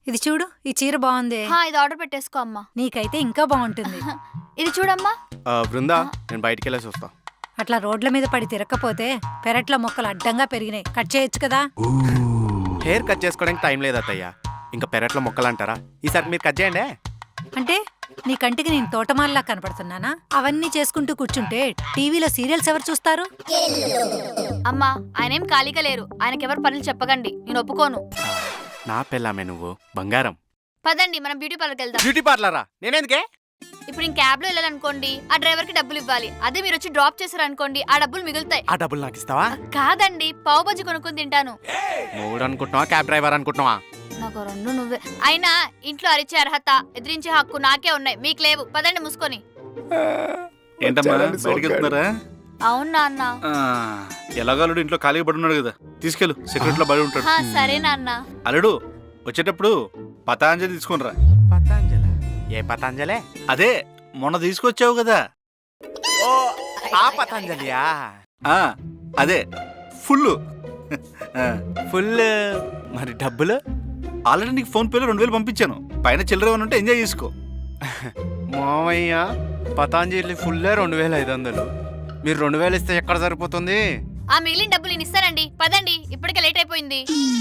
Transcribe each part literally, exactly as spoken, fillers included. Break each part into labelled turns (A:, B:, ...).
A: ఇది చూడు, ఈ చీర బాగుంది.
B: హా, ఇది ఆర్డర్ పెట్టేసుకో అమ్మా.
A: నీకైతే ఇంకా బాగుంటుంది.
B: ఇది చూడమ్మా.
C: బృందా, నేను బయటికి వెళ్ళేసి వస్తా.
A: అట్లా రోడ్ల మీద పడి తిరగకపోతే పెరట్ల మొక్కలు అడ్డంగా పెరిగినాయి, కట్ చేయొచ్చు కదా.
C: హెయిర్ కట్ చేసుకోవడానికి టైం లేదు అత్తయ్య. ఇంకా పెరట్లో మొక్కలు అంటారా? ఈసారి మీరు కట్ చేయండి.
A: అంటే నీ కంటికి నేను తోటమాలలా కనపడుతున్నానా? అవన్నీ చేసుకుంటూ కూర్చుంటే టీవీలో సీరియల్స్ ఎవరు చూస్తారు?
B: అమ్మా, ఆయన ఏం ఖాళీగా లేరు. ఆయనకెవరు పనులు చెప్పకండి, నేను ఒప్పుకోను.
C: నా పెళ్ళామే నువ్వు, బంగారం.
B: పదండి, మనం బ్యూటీ పార్లర్కి వెళ్దాం.
C: బ్యూటీ పార్లరా? నేనేందుకే?
B: ఇప్పుడు నేను క్యాబ్ లో వెళ్ళాలనుకోండి, ఆ డ్రైవర్ కి డబ్బులు ఇవ్వాలి. అదే మీరు వచ్చి డ్రాప్ చేశారనుకోండి, ఆ డబ్బులు మిగులుతాయి.
C: ఆ డబ్బులు నాకు ఇస్తావా?
B: కాదండి, పావు బజ్జి కొనుక్కొని తింటాను.
C: మూడు అనుకుంటున్నావా, క్యాబ్ డ్రైవర్ అనుకుంటున్నావా?
B: నాకు రెండు నువ్వే. అయినా ఇంట్లో అరిచే అర్హత, ఎదిరించే హక్కు నాకే ఉన్నాయి, మీకు లేవు. పదండి మూసుకొని.
D: ఏంటమ్మా బయటికి వెళ్తున్నారా?
B: అవునా అన్న?
D: ఎలాగలుడు ఇంట్లో ఖాళీగా పడి ఉన్నాడు కదా, తీసుకెళ్ళు, సెక్యూరిటీలో బడి ఉంటాడు.
B: సరే నాన్న.
D: అల్లుడు వచ్చేటప్పుడు పతాంజలి తీసుకునిరా.
C: పతాంజలి? ఏ పతాంజలే?
D: అదే మొన్న తీసుకొచ్చావు కదా.
C: ఓ, ఆ పతాంజలియా?
D: ఆ అదే ఫుల్
C: ఫుల్. మరి డబ్బులు?
D: ఆల్రెడీ నీకు ఫోన్ పేలో రెండు వేలు పంపించాను. పైన చిల్లర ఏమైనా ఉంటే ఎంజాయ్ చేసుకో.
C: మామయ్య, పతాంజలి ఫుల్ రెండు వేల ఐదు వందలు మీరు రెండు వేలు ఇస్తే ఎక్కడ సరిపోతుంది?
B: ఆ మిగిలిన డబ్బులు నేను ఇస్తానండి. పదండి, ఇప్పటికే లేట్ అయిపోయింది.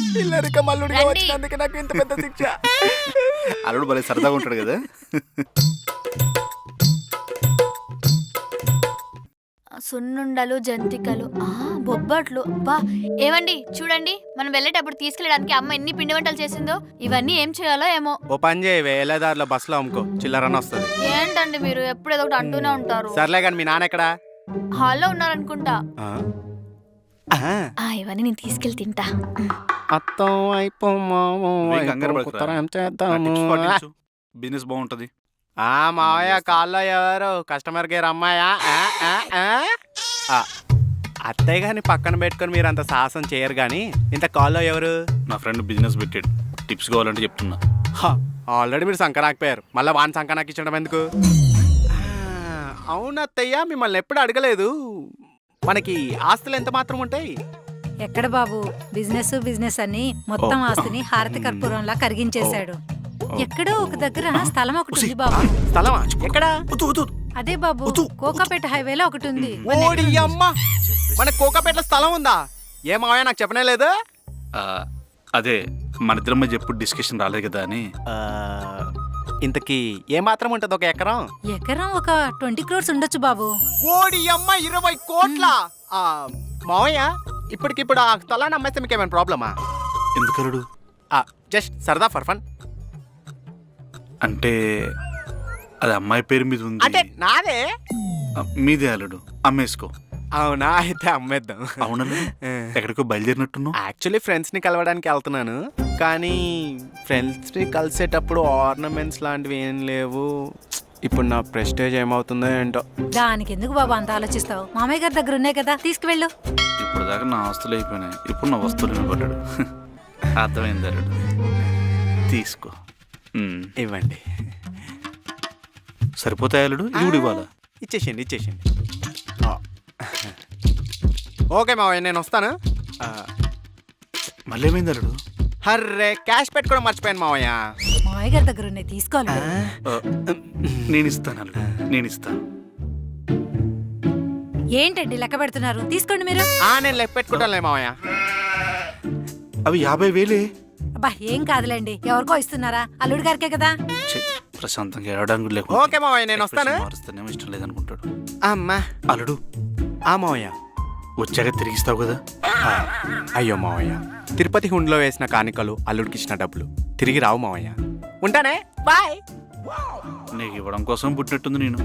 D: అల్లుడు భలే సరదాగా ఉంటాడు కదా.
B: సున్నుండలు, జంతికలు, ఆ బొబ్బట్లు. బా ఏవండి చూడండి, మనం వెళ్ళేటప్పుడు తీసుకెళ్ళడానికి అమ్మ ఎన్ని పిండి వంటలు చేసిందో. ఇవన్నీ ఏం చేయాలో ఏమో.
C: ఓ పని చేయి, వేలేదారిలో బస్సులో అమ్ముకో, చిల్లరని వస్తుంది.
B: ఏంటండి మీరు ఎప్పుడు ఏదో ఒకటి అంటూనే ఉంటారు.
C: సర్లే కానీ మీ నాన్న ఎక్కడా?
B: హాల్లో ఉన్నారనుకుంటా.
C: ఆ,
B: ఆ ఇవన్నీ నేను తీసుకెళ్ళి తింటా.
C: అత్తం అయిపో
D: బిజినెస్ బాగుంటది.
C: ఆ మావయ్య, కాల్లో ఎవరు కస్టమర్ కేర్ అమ్మాయా? అత్తయ్య గాని పక్కన పెట్టుకుని మీరు అంత సాహసం చేయరు గాని, ఇంత కాల్లో ఎవరు?
D: నా ఫ్రెండ్ బిజినెస్ పెట్టాడు, టిప్స్ కావాలంటే చెప్తున్నా.
C: ఆల్రెడీ మీరు సంకనాకపోయారు, మళ్ళీ వాన్ సంకనాకి ఇచ్చడం ఎందుకు? అవును అత్తయ్య, మిమ్మల్ని ఎప్పుడు అడగలేదు. మనకి ఆస్తులు ఎంత మాత్రం ఉంటాయి?
A: ఎక్కడ బాబు, బిజినెస్ బిజినెస్ అని మొత్తం ఆస్తిని హారతి కర్పూరంలా కరిగించేశాడు. ఎక్కడో ఒక దగ్గర స్థలం ఒకటి ఉంది బాబు.
C: స్థలమా? ఎక్కడ?
A: అదే బాబు, కోకాపేట హైవేలో ఒకటి ఉంది.
C: ఓడి అమ్మ, మన కోకాపేటలో స్థలం ఉందా? ఏ మావయ్య నాకు చెప్పనే లేదు.
D: అదే మన ఇద్దరి మధ్య ఎప్పుడు డిస్కషన్ రాలేదు కదా అని.
C: ఇంతకీ ఏ మాత్రం ఉంటది ఒక ఎకరం?
A: ఎకరం ఒక ట్వంటీ క్రోర్స్ ఉండొచ్చు బాబు.
C: ఓడి అమ్మ, ఇరవై కోట్ల మావయ్య, ఇప్పటికిప్పుడు ఆ స్థలాన్ని అమ్మేస్తే మీకు ఏమైనా ప్రాబ్లమా?
D: ఎందుకలుడు?
C: జస్ట్ సరదా ఫర్ ఫన్.
D: అంటే అది అమ్మాయి పేరు మీద ఉంది.
C: అంటే నాదే.
D: మీదే అల్లుడు, అమ్మేసుకో.
C: అవునా? అయితే అమ్మేద్దాం.
D: అవునా? ఎక్కడికో బయలుదేరినట్టున్నావు.
C: యాక్చువల్లీ ఫ్రెండ్స్ ని కలవడానికి వెళ్తున్నాను, కానీ ఫ్రెండ్స్ ని కలిసేటప్పుడు ఆర్నమెంట్స్ లాంటివి ఏం లేవు. ఇప్పుడు నా ప్రెస్టేజ్ ఏమవుతుందో ఏంటో.
A: దానికి ఎందుకు బాబు అంత ఆలోచిస్తావు? మామయ్య గారి దగ్గర ఉన్నాయి కదా, తీసుకువెళ్ళు.
D: ఇప్పుడు దాకా నా ఆస్తులు అయిపోయినాయి, ఇప్పుడు నా వస్తువులు వినపడ్డాడు. అర్థమైంది అల్లుడు, తీసుకో.
C: ఇవ్వండి.
D: సరిపోతాయి అల్లుడు, ఇవి ఇవ్వాలా?
C: ఇచ్చేసేయండి ఇచ్చేసేయండి. ఓకే మావయ్య, నేను వస్తాను.
D: మళ్ళీ ఏమైంది అల్లుడు?
C: హర్రే, క్యాష్ పెట్టుకోవడం మర్చిపోయాను మావయ్య.
A: మామయ్య గారి దగ్గర ఉన్నాయి, తీసుకోవాలి.
D: నేను ఇస్తాను అల్లుడు, నేను ఇస్తాను.
A: ఏంటండి లెక్క పెడుతున్నారు? తీసుకోండి మీరు.
C: నేను లెక్క పెట్టుకుంటానులే మావయ్య.
D: అవి యాభై వేలే.
A: అబ్బా ఏం కాదులేండి, ఎవరికో ఇస్తున్నారా? అల్లుడి గారికే కదా.
D: ప్రశాంతంగా ఏడడానికి లేకుండా.
C: ఓకే మావయ్య, నేను వస్తాను.
D: మారుస్తానేమో ఇష్టం లేదనుకుంటాడు.
C: అమ్మా
D: అల్లుడు,
C: ఆ మావయ్య
D: వచ్చాక తిరిగిస్తావు కదా?
C: అయ్యో మావయ్య, తిరుపతి హుండీలో వేసిన కానుకలు, అల్లుడికి ఇచ్చిన డబ్బులు తిరిగి రావు మావయ్య. ఉంటానే, బాయ్.
D: నీకు ఇవ్వడం కోసం పుట్టినట్టుంది నేను.